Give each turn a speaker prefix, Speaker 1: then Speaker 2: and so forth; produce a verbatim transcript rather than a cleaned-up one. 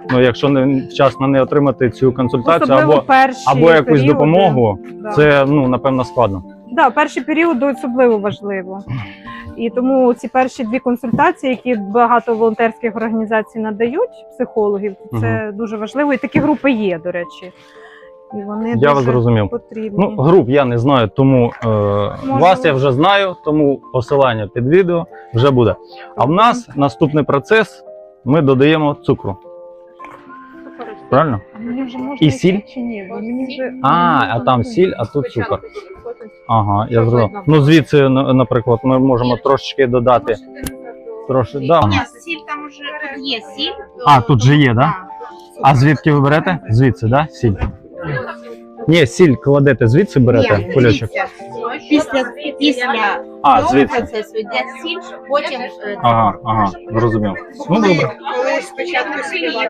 Speaker 1: Ну, якщо не вчасно не отримати цю консультацію
Speaker 2: Особливо
Speaker 1: або,
Speaker 2: перші
Speaker 1: або якусь
Speaker 2: періоди.
Speaker 1: допомогу,
Speaker 2: Да.
Speaker 1: це, ну, напевно, складно.
Speaker 2: Да, перший період особливо важливо. І тому ці перші дві консультації, які багато волонтерських організацій надають, психологів, це
Speaker 1: Угу.
Speaker 2: дуже важливо. І такі групи є, до речі. І вони
Speaker 1: Я
Speaker 2: дуже
Speaker 1: вас зрозумів.
Speaker 2: потрібні.
Speaker 1: Ну, груп я не знаю, тому е, вас я вже знаю, тому посилання під відео вже буде. А в нас наступний процес, ми додаємо цукру. Правильно?
Speaker 2: Мені вже можна
Speaker 1: І сіль?
Speaker 2: чи ні? Бо мені вже...
Speaker 1: А, а там сіль, а тут цукор. Ага, я зрозумів. Ну, звідси, на- наприклад, ми можемо трошечки додати. Трошки, да.
Speaker 3: Ні, сіль там уже тут є сіль.
Speaker 1: А, тут же є, да? А звідки ви берете? Звідси, да? Сіль? Ні, сіль кладете звідси берете,
Speaker 3: Ні,
Speaker 1: кульочок?
Speaker 3: дивіться, Після, після
Speaker 1: А,
Speaker 3: цього
Speaker 1: звідси.
Speaker 3: процесу йде сіль, потім е,
Speaker 1: Ага, ага, зрозумів. Ну, добре.
Speaker 3: коли спочатку співати.